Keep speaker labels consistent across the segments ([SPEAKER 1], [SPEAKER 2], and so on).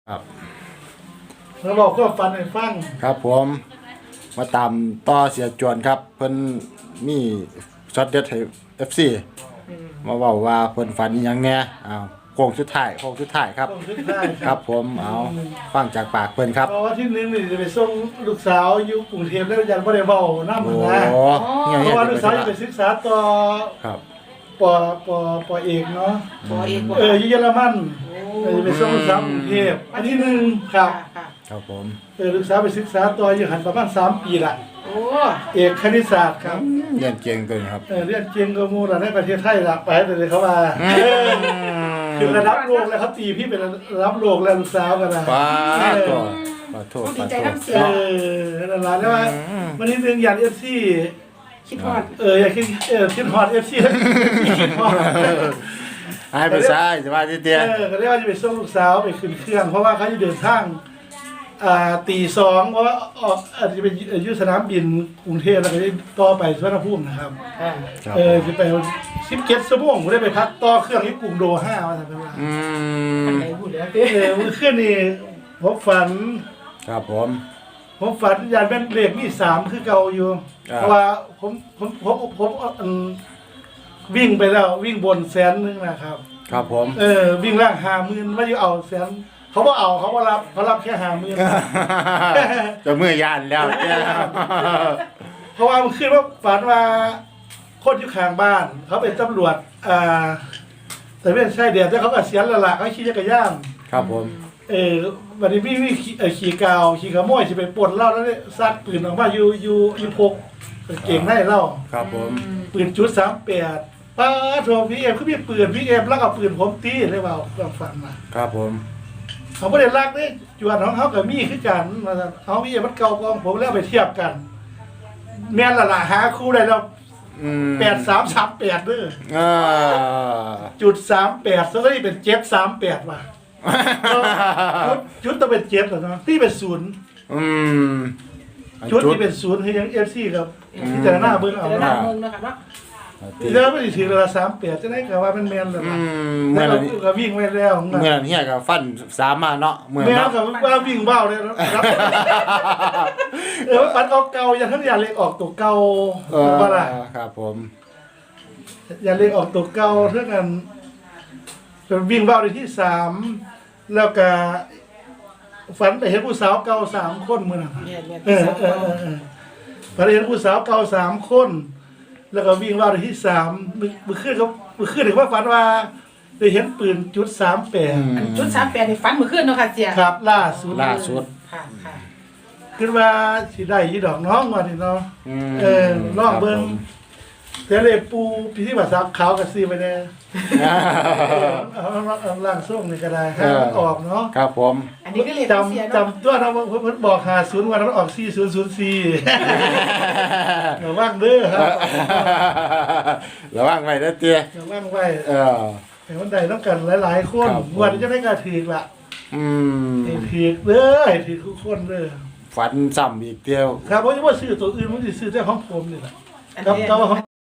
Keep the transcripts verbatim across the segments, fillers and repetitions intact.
[SPEAKER 1] ครับ
[SPEAKER 2] แล้วบอกก็ฟันให้ฟัง
[SPEAKER 1] ครับผมมาตามต่อเสียจวนครับเพิ่นมีช็อตเด็ดให้ เอฟ ซี มาเว้าว่าเพิ่นฝันอีหยังแหน่อ้าวโค้งสุดท้ายโค้งสุดท้ายครับ
[SPEAKER 2] ต้องคิดได้
[SPEAKER 1] ครับผมเอาฟังจากปากเพิ่นครับ
[SPEAKER 2] เพราะว่าที่นึงนี่จะไปส่งลูกสาวอยู่กรุงเทพแล้วยังไม่ได้เว้านำ
[SPEAKER 1] โอ้
[SPEAKER 2] นะ
[SPEAKER 1] เนี่ย
[SPEAKER 2] เพ
[SPEAKER 1] เนี่ย
[SPEAKER 2] ราะว่าลูกสาวจะไปศึกษาต่อ
[SPEAKER 1] ครับ
[SPEAKER 2] ปปปเอกเนาะ
[SPEAKER 3] ปอเอกบ่
[SPEAKER 2] เอออยู่เยอรมัน
[SPEAKER 3] โอ้
[SPEAKER 2] เออจะไปส่งลูกสาวกรุงเทพอันที่หนึ่งครับ
[SPEAKER 3] ค่ะ
[SPEAKER 1] ครับผม
[SPEAKER 2] เออลูกสาวไปศึกษาต่ออยู่หันประมาณสามปีละ
[SPEAKER 3] โอ้
[SPEAKER 2] เอกคณิตศาสตร์ครับ
[SPEAKER 1] เรียนเก่งตัวนี้ครับ
[SPEAKER 2] เออเรียนเก่งก็มูระในประเทศไทยละไปแต่เลยเขาว่า
[SPEAKER 1] อืม
[SPEAKER 2] เออคือระดับโลกแล้วเขาตีพี่เป็นระดับโลกแล้วลูกสาวกันนะ
[SPEAKER 1] ป้าตัวขอโทษ
[SPEAKER 3] ต้อง
[SPEAKER 1] ข
[SPEAKER 3] ดี
[SPEAKER 1] อ
[SPEAKER 3] ใจ
[SPEAKER 1] โทษ
[SPEAKER 3] น้ำเสีย
[SPEAKER 2] เออนั่นแหละแล้วว่าวันนี้เรื่องยานเอฟซี
[SPEAKER 3] คิดฮอด
[SPEAKER 2] เอออยากคิดเออคิดฮอตเอฟซีคิดฮอต
[SPEAKER 1] ให้ไปซ้ายสบายทีเดียว
[SPEAKER 2] เออก็เรียกว่าจะไปส่งลูกสาวไปขึ้นเครื่อง เพราะว่าเขาจะเดินทางอ่าตีสองเพราะว่าออกอาจจะเป็นอยุสนามบินกรุงเทพแล้วก็จะต่อไปสุวรรณภูมินะครับ
[SPEAKER 3] ค่ะ
[SPEAKER 1] ครับ
[SPEAKER 2] เออจะไปสิบเจ็ดชั่วโมงผมได้ไปพักต่อเครื่องที่กรุงโดห้ามาทำไมวะ
[SPEAKER 1] อื
[SPEAKER 3] อัน
[SPEAKER 1] ม
[SPEAKER 3] ไหนพูดแล้ว
[SPEAKER 2] เออเมื่อคืนนี่ผมฝัน
[SPEAKER 1] ครับผม
[SPEAKER 2] ผมฝันยานแม่นเลขมีสามคือเก่าอยู่
[SPEAKER 1] อ่า
[SPEAKER 2] เพราะว่าผมผมผมผมอืมวิ่งไปแล้ววิ่งบนแสนหนึงนะครับ
[SPEAKER 1] ครับผม
[SPEAKER 2] เออวิ่งล่างหาหมื่นว่าอยู่เอาแสนเขาบ่เอาเขาบ่รับเขารับแค่หาหมื่น
[SPEAKER 1] จะมือยานแล้วเนี่ย
[SPEAKER 2] เพราะว่ามันขึ้นว่าฝันว่าคนอยู่ข้างบ้าน เขาเป็นตำรวจอ่าแต่ไม่ใช่เดียวแต่เขาก็เสียแล้วล่ะเขาขี่จักรยาน
[SPEAKER 1] ครับผม
[SPEAKER 2] เออวันนี้พี่พี่ขี่เอ่อขี่กาวขี่ขโมยจะไปปล้นเหล้าแล้วเนี่ยซัดปืนออกมาอยู่อยู่อยู่พกเก่งได้เหล้า
[SPEAKER 1] ครับผม
[SPEAKER 2] ปืนจุดสามแปดป้าโทรพี่เอ็มคือมีปืนพี่เอ็มแล้วก็ปืนผมตีเลยเปล่าลองฟังมา
[SPEAKER 1] ครับผม
[SPEAKER 2] เขาไม่ได้รักเนี่ยจวนของเขากับมีคือกันมาเอาพี่เอ็มมันเก่ากองผมแล้วไปเทียบกัน แม่นละละหาคู่ได้แล้ว
[SPEAKER 1] อืม
[SPEAKER 2] แปดสามสามแปดเด้อ
[SPEAKER 1] อ่า
[SPEAKER 2] จุดสามแปดซะก็นี่เป็นเจ็ดสามแปดว่ะจุดจุดต้องเป็นเจ็ดเหรอเนาะพี่เป็นศูนย์
[SPEAKER 1] อืม
[SPEAKER 2] ชุดที่เป็นศูนย์คือยังเอฟซีครับที่แต่ละหน้าเบิ้งเอา
[SPEAKER 3] แต่ละหน้า
[SPEAKER 2] เนาะ
[SPEAKER 3] เมืองเนาะค่ะเนาะ
[SPEAKER 2] ที่เดิมไม่ได้ถือเวลาสามแปดจะได้กับว่าเป็นแมนเลย
[SPEAKER 1] อื
[SPEAKER 2] ว่ะ
[SPEAKER 1] ม
[SPEAKER 2] แล้
[SPEAKER 1] เมื่
[SPEAKER 2] ว
[SPEAKER 1] อ
[SPEAKER 2] ก็
[SPEAKER 1] นั้น
[SPEAKER 2] ก็วิ่งไว้แล้วของมัน
[SPEAKER 1] เมื่อนั้นเฮียกับฟันสามมาเนาะเมื่อ
[SPEAKER 2] แม
[SPEAKER 1] นั้น
[SPEAKER 2] ว
[SPEAKER 1] เนาะ
[SPEAKER 2] กับว่าวิ่งเบ้าเลยนะครับเออปัดเอาเก่าอย่าทั้งอย่าเล็กออกตัวเก่า
[SPEAKER 1] เออ
[SPEAKER 2] ว่าล่ะ
[SPEAKER 1] ครับผม
[SPEAKER 2] อย่าเล็กออกตัวเก่าเท่ากันวิ่งเบ้าในที่สามแล้วก็ฝันไปเห็นผู้สาวเก่าสามคนมือน่ะ
[SPEAKER 3] แม่นแม่น
[SPEAKER 2] เออเออเออเออพอเห็นผู้สาวเก่าสามคน แล้วก็วิ่งราวในที่สามมือมือขึ้นเขามือขึ้นถึงว่าฝันว่าได้เห็นปืนจุดสามแปด
[SPEAKER 1] อืม
[SPEAKER 3] จุดสามแปดนี่ฝันเมื่อคืนเนาะค่ะเสีย
[SPEAKER 2] ครับล่าสุด
[SPEAKER 1] ล่าสุด
[SPEAKER 3] ค่ะค่ะ
[SPEAKER 2] ขึ้นมาสิได้ยี่ดอกน้องมาทีเนาะ
[SPEAKER 1] ม
[SPEAKER 2] เออลองเบิ่ง แต่เลยปูพิธีบัตรซับขาวกับซีไปแน่
[SPEAKER 1] ครับผม
[SPEAKER 2] เอาเอาล่างส่งนี่ก็ได้ให้มันออกเนาะ
[SPEAKER 1] ครับผม
[SPEAKER 3] อันนี้ก็เรียกเสีย
[SPEAKER 2] จำ
[SPEAKER 3] เนาะ
[SPEAKER 2] จำตัวเราเพิ่นบอกหาศูนย์วันมันออกสี่ศูนย์ศูนย์สี่ระวังเด้อครับ
[SPEAKER 1] ระวังไว้เด้อเตี้ย
[SPEAKER 2] ระวังไว้
[SPEAKER 1] เออ
[SPEAKER 2] ให้มันได้ต้องกันหลายๆคน
[SPEAKER 1] ครับผม
[SPEAKER 2] งวันนี้จะได้กระถือละ
[SPEAKER 1] อืม
[SPEAKER 2] ให้ถือเด้อให้ถือทุกคนเด้อ
[SPEAKER 1] ฝันซ้ำอีกเดียว
[SPEAKER 2] ครับเพราะว่าซื้อตัวอื่นมันสิซื้อแต่ของผมนี่แหละ
[SPEAKER 3] อัน
[SPEAKER 2] ครับ
[SPEAKER 3] นี้
[SPEAKER 2] ก็ว่าของ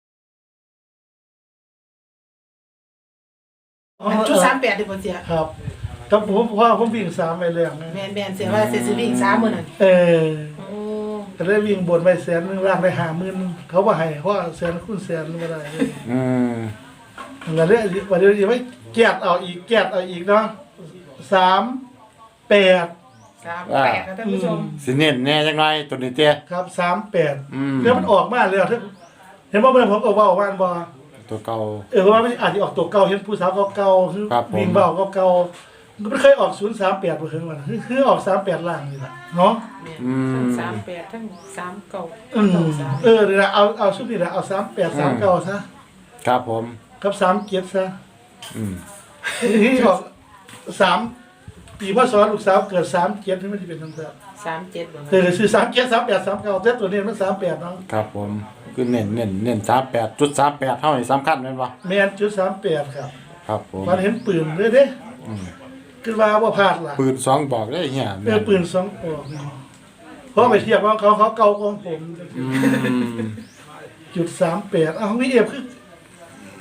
[SPEAKER 3] อันจุดสามแปดที่ผมเสีย
[SPEAKER 2] ครับครับผมเพราะว่าผมวิ่งสามไปแล้วนะ
[SPEAKER 3] แม่นแม่นเสียว่าเสียสิวิ่งสามมื้อนั่น
[SPEAKER 2] เออ
[SPEAKER 3] โอ้
[SPEAKER 2] ก็ได้วิ่งบนไปแสนหนึงล่างไปหาหมื่นเขาว่าให้เพราะว่าแสนคูณแสนไม่ได้เลย
[SPEAKER 1] อืม
[SPEAKER 2] แล้วเนี่ยวันนี้ยังไม่แกะเอาอีกแกะเอาอีกเนาะสามแปด
[SPEAKER 3] สามแปดนะท่านผู้ชม
[SPEAKER 1] สิเน้นแน่จังไงตัวนี้เตี้ย
[SPEAKER 2] ครับสามแปด
[SPEAKER 1] อืม
[SPEAKER 2] แล้วมันออกมาเลยถ้าเห็นว่าเมื่อผมก็ว่าว่านบอ
[SPEAKER 1] ตัวเก่า
[SPEAKER 2] เออเพราะว่ามันอาจจะออกตัวเก่าเห็นผู้สาวเก่าๆคือ
[SPEAKER 1] ครับผม
[SPEAKER 2] วิ่งเบาเก่าๆมันเคยออกศูนย์สามแปดมาถึงมันคือคือออกสามแปดล่างนี่แหละเนาะ
[SPEAKER 3] แม่น
[SPEAKER 1] อืม
[SPEAKER 3] ทั้งสามแปดทั้งสามเก้า
[SPEAKER 2] อืม
[SPEAKER 3] เก้าสาม
[SPEAKER 2] เออเดี๋ยวนะเอาเอาชุดนี้แหละเอาสามแปดสามเก้าซะ
[SPEAKER 1] ครับผม
[SPEAKER 2] กับสามเกียรติซะ
[SPEAKER 1] อืม
[SPEAKER 2] ที่ออกสามปีพ่อสอนลูกสาวเกิดสามเกียรติที่มันจะเป็นทั้งแบบ
[SPEAKER 3] สามเจ็ดบ่
[SPEAKER 2] เออซื้อสามเกียรติสามแปดสามเก้าแต่ตัวนี้มันสามแปดเนาะ
[SPEAKER 1] ครับผมคือเน้นเน้นเน้นสามแปดจุดสามแปดเท่านี้สำคัญแม่นบ่
[SPEAKER 2] แมนจุดสามแปดครับ
[SPEAKER 1] ครับผม
[SPEAKER 2] มันเห็นปืนเลยเด้
[SPEAKER 1] อืม
[SPEAKER 2] ขึ้นมาว่าพลาดล่ะ
[SPEAKER 1] ปืนสองบอกได้เหี้ย
[SPEAKER 2] เออปืนสองปอกนี่เพราะไปเทียบว่าเขาเขาเก่ากองผม
[SPEAKER 1] อืม
[SPEAKER 2] จุดสามแปดอ้าวพี่เอฟคือ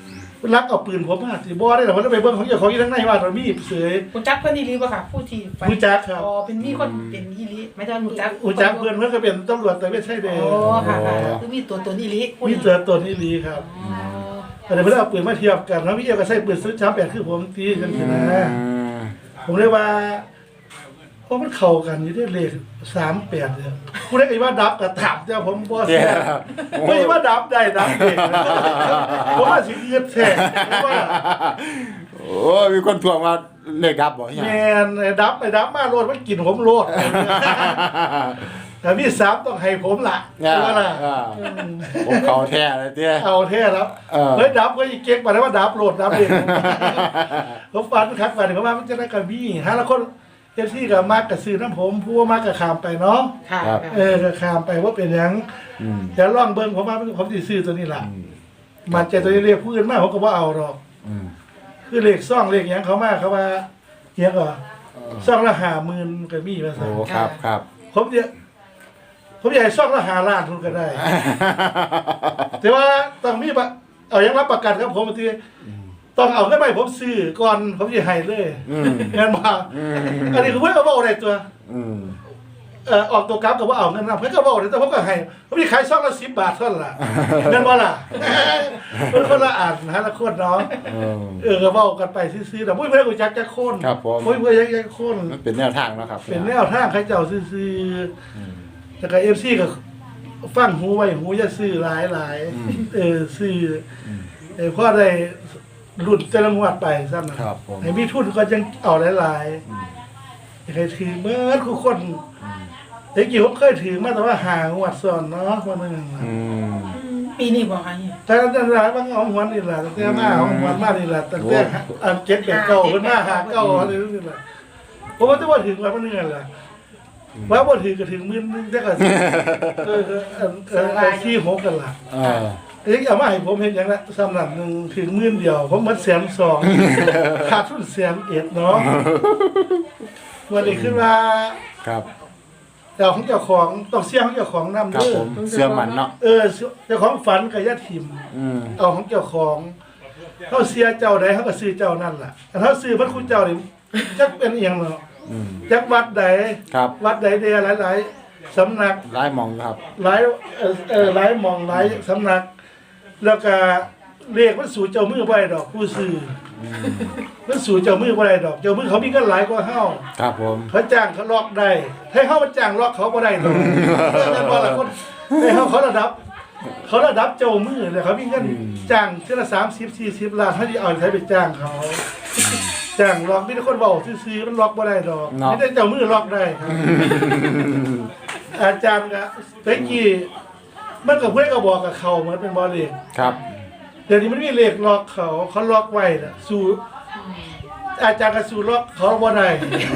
[SPEAKER 2] รักเอาปืนผมมาสิบ่ได้หรอกมันไปเบิ่งของเจ้าของอยู่ทางในว่าตอนมีเสือ
[SPEAKER 3] คุณจักเพิ่นอีหลีบ่ค่ะผู้ที่ฝัน
[SPEAKER 2] รู้จักครับ
[SPEAKER 3] อ๋อเป็นมีคนเป็นอีหลีไม่ใช่รู้จัก
[SPEAKER 2] อุจักเพื่อนเพื่อนก็เป็นตำรวจแต่ไม่ใช่เด้
[SPEAKER 3] โอ้ค่ะค่ะคือมีตัวตนอีหลี
[SPEAKER 2] มีเตือนตัวนี้ดีครับ
[SPEAKER 3] อ๋อ
[SPEAKER 2] แต่เพื่อนเอาปืนมาเทียบกันแล้วพี่เอ๋ก็ใช้ปืนซื้อช้าแปดคือผมตีกันสินะผมเรียกว่าเพราะมันเข้ากันอยู่ด้วยเลขสามแปดเนี่ยผู้ได้ไอ้ว่าดับกับถามเจ้าผมบอสไม่ว่าดับได้ดับเองผมว่าสิเงียบแท้ว่า
[SPEAKER 1] โอ้ยมีคนทวงมาเลขดับบ่
[SPEAKER 2] แมนไอ้ดับไอ้ดับมาโลดมันกินผมโลดแต่พี่สามต้องให้ผมล่ะ
[SPEAKER 1] เนี่ย
[SPEAKER 2] ว่าล่ะ
[SPEAKER 1] ผมเขาแท้เลยเตี้ย
[SPEAKER 2] เอาแท้แล้ว
[SPEAKER 1] เออ
[SPEAKER 2] เฮ้ยดับก็ยิ่งเก๊กมาแล้วว่าดับโหลดดับเองผมฟันคักฟันเขาว่ามันจะได้กระบี่ฮะแล้วคนเอฟซีกับมากกับซื้อน้ำผมผู้ว่ามากกับขามไปเนาะ
[SPEAKER 3] ค่ะ
[SPEAKER 2] เออกับขามไปว่าเป็นหยัง
[SPEAKER 1] อืม
[SPEAKER 2] เดี๋ยวลองเบิ้งผมว่าผมสิซื้อตัวนี้ล่ะมันใจตัวนี้เรียกผู้อื่นมากผมก็ว่าเอาหรอก
[SPEAKER 1] อืม
[SPEAKER 2] คือเลขซ่องเลขหยังเขามากเขาว่าเฮียก็ซ่องละห้าหมื่นก็มีมา
[SPEAKER 1] โอ้
[SPEAKER 2] สั่
[SPEAKER 1] ครับครับ
[SPEAKER 2] ผมเนี่ยผมอยากให้ซ่องละห้าล้านทุนก็ได้ แต่ว่าต้องมีปะเอายังรับประกันครับผมทีต้องเอาขึ้นไปผมซื้อก่อนผมจะให้เลย
[SPEAKER 1] อืม
[SPEAKER 2] เงินมา
[SPEAKER 1] อืม
[SPEAKER 2] อันนี้คือเพื่อนก็บอกอะไรตัว
[SPEAKER 1] อืม
[SPEAKER 2] เอ่อออกตัวกราฟกับว่าเอาเงินนะเพื่อนก็บอกอะไรแต่ผมก็ให้ผมจะขายซ่องละสิบบาทเท่านั้นล่ะเงินว่าล่ะเป็นคนละอ่านนะละคนเนาะ
[SPEAKER 1] เออ
[SPEAKER 2] เออก็บอกกันไปซื้อๆแต่ไม่เพื่อนกูจักจะโค่น
[SPEAKER 1] ครับผม
[SPEAKER 2] ไม่เพื่อนยักจะโค่น
[SPEAKER 1] มันเป็นแนวทางเนาะครับ
[SPEAKER 2] เป็นแนวทางใครเจ้าซื้อ
[SPEAKER 1] อืม
[SPEAKER 2] ๆแต่กับเอฟซีก็ฟังหูไว้หูจะซื้อหลายหลายๆ
[SPEAKER 1] อืม
[SPEAKER 2] เออซื้อ
[SPEAKER 1] อืม
[SPEAKER 2] เออพ่อได้หลุดแต่ละงวดไปซ้ำนะครับ
[SPEAKER 1] ผม
[SPEAKER 2] ไอ้มีทุนก็ยังเอาหลาย
[SPEAKER 1] อืม
[SPEAKER 2] ๆใครถือเมื่อทุกคนเด็กกี่ผมเคยถือมาแต่ว่าหางวดซ้อนเนาะวันนึง
[SPEAKER 1] อืม
[SPEAKER 3] ปีนี้บ่ค่ะเนี่ย
[SPEAKER 2] แต่แต่ละบางเอาหวนนี่แหละแต่มาเอาหวนมานี่แหละแต่แต่อันเก็บแบบเก่าขึ้นมาหาเก่าอะไรนี่แหละผมว่าจะว่าถึงวันนึงแหละว่าบ่ถือก็ถึงหมื่นนึงแต่ก็เออเออเออเออที่หกกันล่ะ
[SPEAKER 1] เออ
[SPEAKER 2] เอ้ยเอามาให้ผมเห็นอย่างละสำหรับหนึ่งถึงหมื่นเดียว ผมมันแสนสองขาดทุนแสนเอ็ดเนาะวันนี้ขึ้นมา
[SPEAKER 1] ครับ
[SPEAKER 2] เจ้าของเจ้าของต้องเสี่ยงของเจ้าของนำ
[SPEAKER 1] ครับ
[SPEAKER 2] เด้อ
[SPEAKER 1] ผมเสื้อมันเนาะ
[SPEAKER 2] เออเจ้าของฝันกับญาติทิม
[SPEAKER 1] อืม
[SPEAKER 2] เอาของเจ้าของเขาเสียเจ้าใดเขาก็ซื้อเจ้านั่นล่ะแต่ถ้าซื้อพระคุณเจ้านี่จักเป็นเอียงเนาะ
[SPEAKER 1] อืม
[SPEAKER 2] จักวัดใด
[SPEAKER 1] ครับ
[SPEAKER 2] วัดใดเดียหลายๆสำนัก
[SPEAKER 1] ลายหมองครับ
[SPEAKER 2] หลายเออเออหลายหมองหลายสำนัก แล้วก็เรียกมันสู่เจ้ามือบ่ได้ดอกผู้ซื้อ
[SPEAKER 1] อืม
[SPEAKER 2] มันสู่เจ้ามือบ่ได้ดอก เจ้ามือเขามีเงินหลายกว่าเฮา
[SPEAKER 1] ครับผม
[SPEAKER 2] เขาจ้างเขาล็อกได้ให้เฮามันจ้างล็อกเขาบ่ได้ดอกนั่นว่าละคนให้เฮาเขาระดับ เขาระดับเจ้ามือเลยเขามีเงินจ้างเทื่อละสามสิบ สี่สิบล้านเฮาสิเอาใช้ไปจ้างเขาจ้างล็อกมีแต่คนเว้าซื่อๆมันล็อกบ่ได้ดอกมีแต่เจ้ามือล็อกได้ครับ อาจารย์ก็เมื่อกี้มันก็เพื่อนก็บอกกับเขาเหมือนเป็นบอลเลข
[SPEAKER 1] ครับ
[SPEAKER 2] เดี๋ยวนี้มันมีเลขล็อกเขาเขาล็อกไว้น่ะสู่อาจารย์ก็สู่ล็อกเขาบ่ได้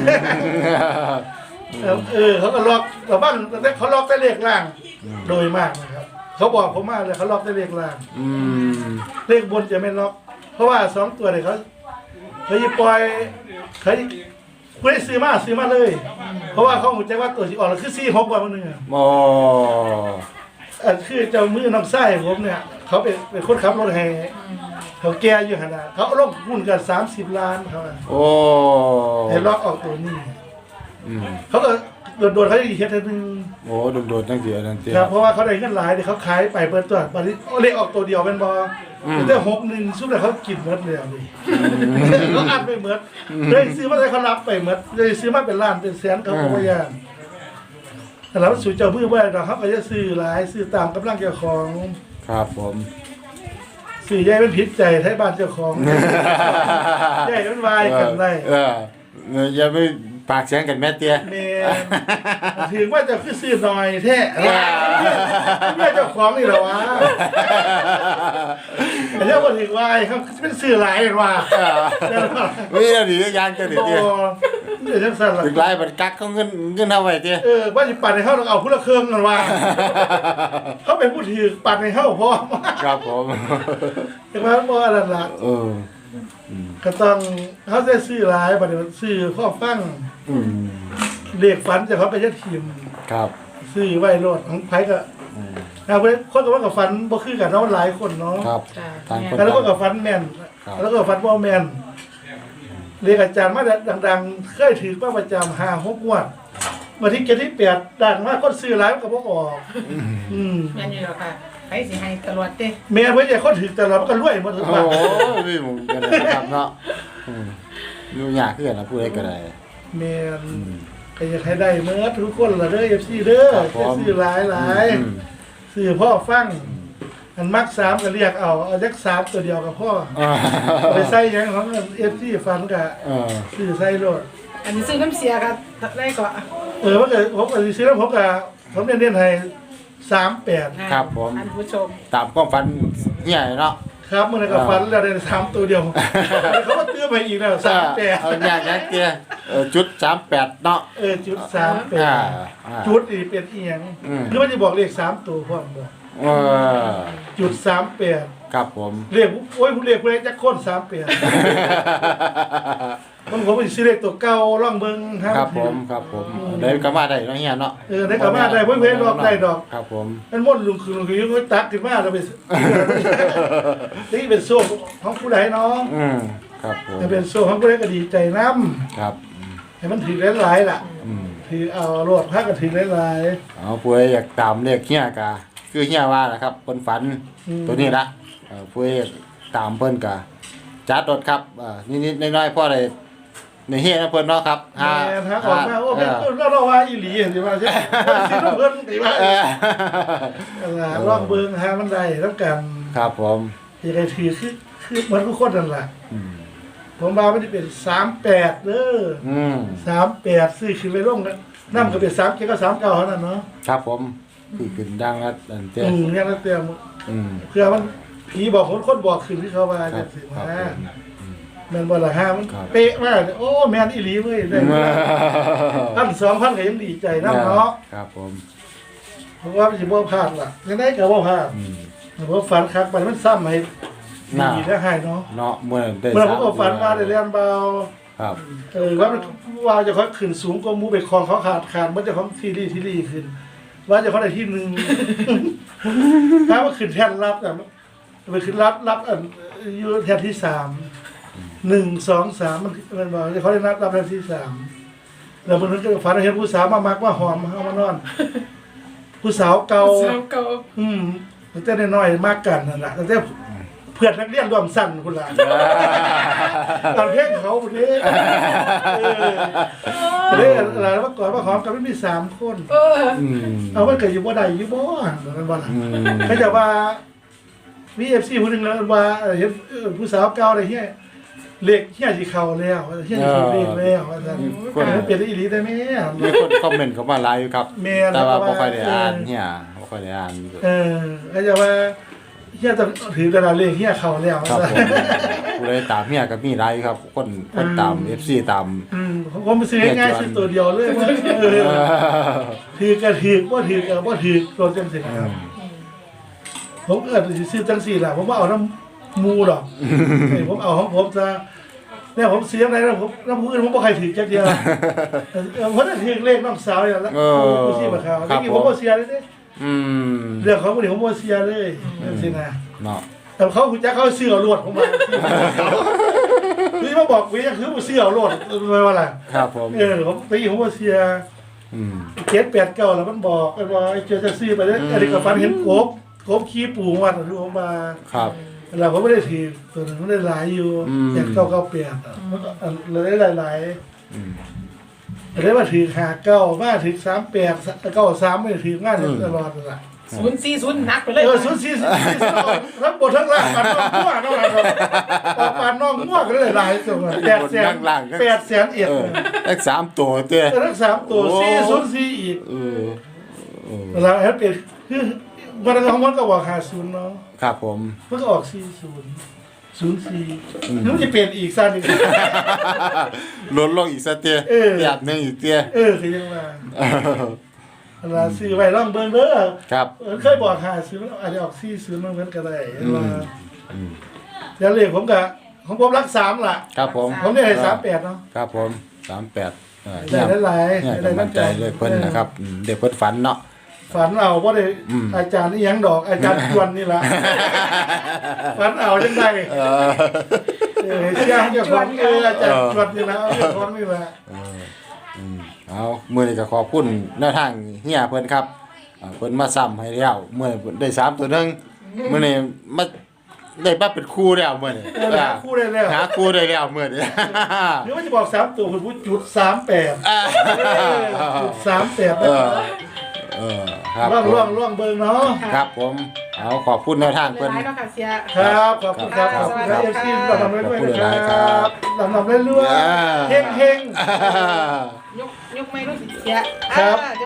[SPEAKER 2] เออเออเขาก็ล็อกแต่บ้างแต่เขาล็อกแต่เลขล่าง โดยมากนะครับ เขาบอกผมมาเลยเขาล็อกแต่เลขล่าง
[SPEAKER 1] อืม
[SPEAKER 2] เลขบนจะไม่ล็อก เพราะว่าสองตัวเนี่ยเขาเขาจะปล่อยเขาไม่ได้ซื้อมาซื้อมาเลย เพราะว่าเขาหัวใจว่าตัวที่ออกแล้วคือสี่หกกว่ามันหนึ่งอะ
[SPEAKER 1] โอ้
[SPEAKER 2] อันคือเจ้ามือน้องไส้ผมเนี่ย เขาเป็นเป็นคนขับรถแห่เขาแก่อยู่ขนาดเขาลงหุ้นกันสามสิบล้านเขาอะ
[SPEAKER 1] โอ้
[SPEAKER 2] ให้ล็อกออกตัวนี้
[SPEAKER 1] อืม
[SPEAKER 2] เขาก็โดนๆเขาจะเฮ็ดให้นึง
[SPEAKER 1] โอ้โดดๆตั้งเสียตั้งเสีย
[SPEAKER 2] ครับเพราะว่าเขาได้เงินหลายเดี๋ยวเขาขายไปเปิดตัวบัดนี้เลขออกตัวเดียวเป็นบอ
[SPEAKER 1] อืม
[SPEAKER 2] แต่หกหนึ่งซุปเลยเขากินหมดเลยอ่ะนี่เขาอัดไปหมดเลยซื้อมาได้เขารับไปหมดเลยซื้อมาเป็นล้านเป็นแสนเขาก็บ่ยากแต่เราสู่เจ้ามือไว้เราเขาก็จะซื้อหลายซื้อตามกำลังเจ้าของ
[SPEAKER 1] ครับผม
[SPEAKER 2] ซื้อใหญ่เป็นผิดใจไทยบ้านเจ้าของใหญ่เป็นวายกันได้
[SPEAKER 1] เออเอออย่าไปปากเสียงกันแม่เตี้ย
[SPEAKER 2] เมนถึงว่าจะคือซื้อหน่อยแท้แม่เจ้าของนี่เหรอวะแต่เจ้าคนถึงวายเขาเป็นซื้อหลายว่า
[SPEAKER 1] มีอะไรดียางกันดิ
[SPEAKER 2] โอ้
[SPEAKER 1] เตี้ย
[SPEAKER 2] เดี๋ยวจังสั่นล่ะ
[SPEAKER 1] ถึงไรมันกักเขาเงินเงินเอาไว้เตี้ย
[SPEAKER 2] เออว่าสิปัดให้เขาต้องเอาผู้ละเครื่องกันว่าเขาเป็นผู้ถือปัดให้เขาพร้อม
[SPEAKER 1] ครับผม
[SPEAKER 2] แต่ว่าบ่อะไรล่ะ
[SPEAKER 1] เออ
[SPEAKER 2] ก็ต้องเขาจะซื้อหลายบัดนี้ซื้อข้อฟัง
[SPEAKER 1] อืม
[SPEAKER 2] เรียกฝันจะเขาไปยัดทีม
[SPEAKER 1] ครับ
[SPEAKER 2] ซื้อไว้โลดของไผก็
[SPEAKER 1] อืม
[SPEAKER 2] นะเพื่อนคนกับว่ากับฟันบ่คือกันเนาะมันหลายคนเนาะ
[SPEAKER 1] ครับ
[SPEAKER 3] จ้ะ
[SPEAKER 1] ทางคน
[SPEAKER 2] แล้วก็กับฟันแม่น
[SPEAKER 1] ครับ
[SPEAKER 2] แล้วก็ฟันบ่แม่นเรียกอาจารย์มาดังๆเคยถือว่าประจำห้าหกงวดวันที่เจ็ดที่แปดดังมากคนซื้อหลายมันก็บ่ออกอืม
[SPEAKER 3] แม่นอยู่แล้วค่ะไปสิให้ตลอดเด้
[SPEAKER 2] แม่เพิ่นจะคนถือแต่เรามันก็รวยหมดทุก
[SPEAKER 1] โอ้
[SPEAKER 2] วัน
[SPEAKER 1] โหพี่หมุนกันเลยนะครับเนาะอืมอยู่ยากขึ้นนะพูดได้ก็ได้
[SPEAKER 2] แม่น
[SPEAKER 1] อืม
[SPEAKER 2] ก็อยากให้ได้เมื่อทุกคนละเด้อ เอฟ ซี เด้อ
[SPEAKER 1] ครับผม
[SPEAKER 2] จะซื้อหลายหลาย
[SPEAKER 1] อืม
[SPEAKER 2] ซื้อพ่อฟังอันมักสามก็เรียกเอาเอาจักสามตัวเดียวกับพ่อ
[SPEAKER 1] อ่า
[SPEAKER 2] เอาไปใส่หยังของ เอฟ ซี ฟันก็
[SPEAKER 1] เออ
[SPEAKER 2] ซื้อใส่โลด
[SPEAKER 3] อันนี้ซื้อน้ำเสียก็ได้ก็
[SPEAKER 2] เออว่าเกิดผมก็สิซื้อแล้วผมก็ผมเน้นๆให้สามแปด
[SPEAKER 1] ครับผม
[SPEAKER 3] ท่านผู้ชม
[SPEAKER 1] ตามความฝันเฮียเนาะ
[SPEAKER 2] ครับมื้อนั้นก็ฟันแล้วได้สามตัวเดียวเขาก็เตื้อไปอีกแล้วสามแปด
[SPEAKER 1] เอาอยากยังเตี้ยเออจุดสามแปดเนาะ
[SPEAKER 2] เออจุดสามแป
[SPEAKER 1] อ่า
[SPEAKER 2] ด
[SPEAKER 1] อ่า
[SPEAKER 2] จุดนี่เป็นอีหยัง
[SPEAKER 1] อืม
[SPEAKER 2] หรือว่าจะบอกเลขสามตัวพร้อมบ่
[SPEAKER 1] เออ
[SPEAKER 2] จุดสามแปด
[SPEAKER 1] ครับผม
[SPEAKER 2] เรียกโอ้ยผู้เรียกผู้เรียกจักคนสามแปด มันผมไปซื้อเลขตัวเก่าล่องเบิ่ง
[SPEAKER 1] ครับผมครับผมได้ก็มาได้เนาะเฮียเนาะ
[SPEAKER 2] เออได้กลับมาได้เพิ่นเพิ่นดอกได้ดอก
[SPEAKER 1] ครับผม
[SPEAKER 2] มันม่วนลุงคือลุงคือยังตักขึ้นมาแล้วไป นี่เป็นโซ่ของผู้ใดเนาะ
[SPEAKER 1] อืมครับผม
[SPEAKER 2] ให้เป็นโซ่ของผู้ใดก็ดีใจนำ
[SPEAKER 1] ครับ
[SPEAKER 2] ให้มันถือหลายๆล่ะ
[SPEAKER 1] อืม
[SPEAKER 2] ถือเอาโลดพาก็ถือหลาย
[SPEAKER 1] เอาผู้ใดอยากตามเลขเฮียกะคือเฮียว่าแหละครับเพิ่นฝัน
[SPEAKER 2] อืม
[SPEAKER 1] ตัวนี้ละเออผู้ใดอยากตามเพิ่นกะจัดรถครับอ่านิดๆน้อยๆพอได้ในเฮียนะเพิ่นเนาะครับ
[SPEAKER 2] ๆแม่นฮะออกมาโอ้เป็น
[SPEAKER 1] เออ
[SPEAKER 2] เราเราว่าอีหลีเห็นสิว่าใช่สิเพิ่นสิว่า
[SPEAKER 1] เออ
[SPEAKER 2] เออลองเบิ่งหามันได้แล้วกัน
[SPEAKER 1] ครับผม
[SPEAKER 2] ยังไงถือคือคือเหมือนทุกคนนั่นแหละ
[SPEAKER 1] อืม
[SPEAKER 2] ผมว่ามันจะเป็นสามแปดเด้อ
[SPEAKER 1] อืม
[SPEAKER 2] สามแปดซื้อขึ้นไปลงน้ำก็เป็นสามเจ็ดก็สามเก้าเท่านั้นเนาะ
[SPEAKER 1] ครับผมคือขึ้นดังแล้วอันเจ้
[SPEAKER 2] อืมเนี่ยแล้วเตรียม
[SPEAKER 1] อืม
[SPEAKER 2] เพื่อมันผีบอกคนคนบอกขึ้นที่เขาว่า
[SPEAKER 1] ครั
[SPEAKER 2] จะ
[SPEAKER 1] บ
[SPEAKER 2] สิ
[SPEAKER 1] ครับ
[SPEAKER 2] มา
[SPEAKER 1] ผม
[SPEAKER 2] แม่นบ่ละห้ามัน
[SPEAKER 1] ครับ
[SPEAKER 2] เป๊ะมากโอ้แม่นอีหลีเว้ยได้พันสองพันก็ยังดีใจนํเนาะ
[SPEAKER 1] ครับผม
[SPEAKER 2] เพราะว่ามันสิบ่พลาดล่ะยังไงก็บ่พลาด
[SPEAKER 1] อืม
[SPEAKER 2] เพราะฝันคักไปมันซ้ำให้
[SPEAKER 1] น่า
[SPEAKER 2] ดีได้ให้เนาะ
[SPEAKER 1] เนาะเมื่อได้
[SPEAKER 2] เมื่อผม
[SPEAKER 1] ส
[SPEAKER 2] ก็ฝันว่าได้เรียนเบา
[SPEAKER 1] ครับ
[SPEAKER 2] เออว่ามันว่าจะเขาขึ้นสูงกว่าหมูไปคลองเขาขาดขาดมันจะของทีรีทีรีขึ้น ว่าจะเขาได้ที่หนึ่ง ถ้าว่าขึ้นแท่นรับแต่ไปขึ้นรับรับอันอยู่แท่นที่สามหนึ่งสองสามมันมันบอกจะเขาได้รับรับแท่นที่สามแล้วมันก็ฝันเห็นผู้สาวมามักว่าหอมเอามานอน ผู้สาวเก่า
[SPEAKER 3] สาวเก่า
[SPEAKER 2] อืมตั้งแต่น้อยๆมากกันนั่นแหละตั้งแต่เพื่อนนักเรียนรวมสั้นคุณล่ะ ตอนเพลงเขาคนนี้เออเรื่องอะไรเมื่อก่อนว่าหอมกันไม่มีสามคน
[SPEAKER 3] เออ
[SPEAKER 1] อืม
[SPEAKER 2] เอามันเกิดอยู่บ่ใดอยู่บ่เหมือนกันบ่ล่ะ
[SPEAKER 1] อืม
[SPEAKER 2] เขาจะว่ามีเอฟซีคนหนึ่งแล้วว่าเห็นผู้สาวเก่าอะไรเฮียเล็กเฮียสิเข้าแล้วเฮียสิเล็กแล้วว่าซั่นมันเป็นอีหลีได้แม่
[SPEAKER 1] มีคนคอมเมนต์เข้ามาหลายอยู่ครับ
[SPEAKER 2] แม่น
[SPEAKER 1] แต่ว่า
[SPEAKER 2] แล้วก็
[SPEAKER 1] บ่ค่อยได้
[SPEAKER 2] ว่า
[SPEAKER 1] อ่านเนี่ยบ่ค่อยได้อ่านอยู่
[SPEAKER 2] เออเขาจะว่าเฮียต้องถือกระดาษเลขเฮียเข้าแล้ว
[SPEAKER 1] ครับ
[SPEAKER 2] ว่า
[SPEAKER 1] ผ
[SPEAKER 2] ซั่
[SPEAKER 1] ม
[SPEAKER 2] น
[SPEAKER 1] ผู้ใดตามเฮียก็มีหลายอยู่ครับ คนคนตาม เอฟ ซี ตาม
[SPEAKER 2] อืมผมไปซื้อง่ายๆซื้อตัวเดียวเลยว่าเออถือกระถือกบ่ถือกระบ่ถือกรถจังซี่ครับ ผมเกิดสิซื้อจังสี่แหละผมว่าเอาน้ำมูดอกเอ้ยผมเอาของผมจะเนี่ยผมเสียอะไรนะผมน้ำมูอื่นผมบ่ใครถือจักเดียวเออผมจะถือเลขน้องสาวอย่างละ
[SPEAKER 1] เออ
[SPEAKER 2] ผู้ที่มาข่าว
[SPEAKER 1] ครับ
[SPEAKER 2] ที่ผมบ่เสียเลยเด้
[SPEAKER 1] อืม
[SPEAKER 2] เรื่องของคนนี้ผมบ่เสียเลยนั่นสินะ
[SPEAKER 1] เนาะ
[SPEAKER 2] แต่เขาคุณจักเขาเสื้อรวดผมมาพี่มาบอกวิยังคือบ่เสื้อรวดไม่ว่าล่ะ
[SPEAKER 1] ครับผม
[SPEAKER 2] เออผมตีผมบ่เสีย
[SPEAKER 1] อืม
[SPEAKER 2] เจ็ดแปดเก้าแล้วมันบอกมันว่าไอ้เจอจะซื้อไปเด้ออันนี้ก็ฝันเห็นกบกบขี้ปูวัดที่ผมมา
[SPEAKER 1] ครับ
[SPEAKER 2] เราก็ไม่ได้ถือตัวนึงไม่ได้หลายอยู่
[SPEAKER 1] อืม
[SPEAKER 2] อย่างเก้าเก้าเปลี่ยนมันก็เราได้หลาย
[SPEAKER 1] อืม
[SPEAKER 2] ๆแต่ได้มาถือหาเก้ามาถือสามแปดเก้าสามไม่ได้ถืองานอยู่ตลอดเลย
[SPEAKER 3] ศูนย์สี่ศูนย์นักไปเลย
[SPEAKER 2] เออศูนย์สี่สี่สี่ทั้งบททั้งล่างปันน้องมั่วน้องอะไรปันน้องมั่วก็ได้หลายตัวแปดแสนแปดแสนเอ็ด
[SPEAKER 1] เออเลขสามตัวเตี้ย
[SPEAKER 2] ทั้งสามตัวสี่ศูนย์สี่อีก
[SPEAKER 1] เออเออ
[SPEAKER 2] เราแอปเป็นคือวันนั้นของมันก็บอกหาศูนย์เนาะ
[SPEAKER 1] ครับผม
[SPEAKER 2] มันก็ออกสี่ศูนย์ศูนย์สี่แล้วมันจะเปลี่ยนอีกสั้นอีก
[SPEAKER 1] ลดลงอีกสักเตี้ย
[SPEAKER 2] เออ
[SPEAKER 1] หยาบหนึงอีกเตี้ย
[SPEAKER 2] เออคือยังว่าเวลาซื้อไว้ร่องเบิ่งเด้อ
[SPEAKER 1] ครับ
[SPEAKER 2] เออเคยบอกหาซื้ออาจจะออกซี่ซื้อมันเหมือนกันได้ว่า
[SPEAKER 1] อืม
[SPEAKER 2] แล้วเลขผมก็ของผมรักสามล่ะ
[SPEAKER 1] ครับผม
[SPEAKER 2] ผมได้ให้สามแปดเนาะ
[SPEAKER 1] ครับผมสามแปดเออ
[SPEAKER 2] ได้
[SPEAKER 1] เนี่ย
[SPEAKER 2] หลาย
[SPEAKER 1] เนี่ย
[SPEAKER 2] ๆได้
[SPEAKER 1] กำลังใจเลยเพิ่นนะครับอืมเด็กเพิ่นฝันเนาะ
[SPEAKER 2] ฝันเอาว่าได้
[SPEAKER 1] อืม
[SPEAKER 2] อาจารย์นี่ยังดอกอาจารย์ชวนนี่ละฝันเอาจังได
[SPEAKER 1] เออ
[SPEAKER 2] เออเชื่อเจ้าของเอออาจารย์ชวนนี่ละเอาเจ้าของนี่ละ
[SPEAKER 1] อืมเอามื้อนี้ก็ขอบคุณแนวทางเฮียเพิ่นครับอ่าเพิ่นมาซ้ำให้แล้วมื้อนี้เพิ่นได้สามตัวหนึงมื้อนี้มาได้มาเป็นคู่แล้วมื้อนี้
[SPEAKER 2] เออหาคู่ได้แล้ว
[SPEAKER 1] หาคู่ได้แล้วมื้อนี้
[SPEAKER 2] หรือว่าจะบอกสามตัวคุณพูดจุดสามแปด
[SPEAKER 1] อ่า
[SPEAKER 2] จุดสามแปด
[SPEAKER 1] เออเออครับ
[SPEAKER 2] ร่อง
[SPEAKER 1] ผม
[SPEAKER 2] ร่องร่องเบิร์เนาะ
[SPEAKER 1] ครับผมเอาขอบคุณแนวทาง
[SPEAKER 3] ห
[SPEAKER 1] เพิ่น
[SPEAKER 3] ลายๆเนาะค่ะเสีย
[SPEAKER 2] ครับขอบคุณครับ
[SPEAKER 1] ค
[SPEAKER 2] ข
[SPEAKER 1] รั
[SPEAKER 2] อ
[SPEAKER 1] บบ
[SPEAKER 2] คุณครับ
[SPEAKER 1] ครั
[SPEAKER 2] เอบ ฟซีลำลำเรื่อยๆนะค
[SPEAKER 1] ขอบคุณหลายๆครั
[SPEAKER 2] รับบ ลำลำเรื่อย
[SPEAKER 1] อ่า
[SPEAKER 2] ๆเฮงเฮง
[SPEAKER 3] ยกยกไม่รู้สิเสีย
[SPEAKER 2] ครับ
[SPEAKER 3] อ่า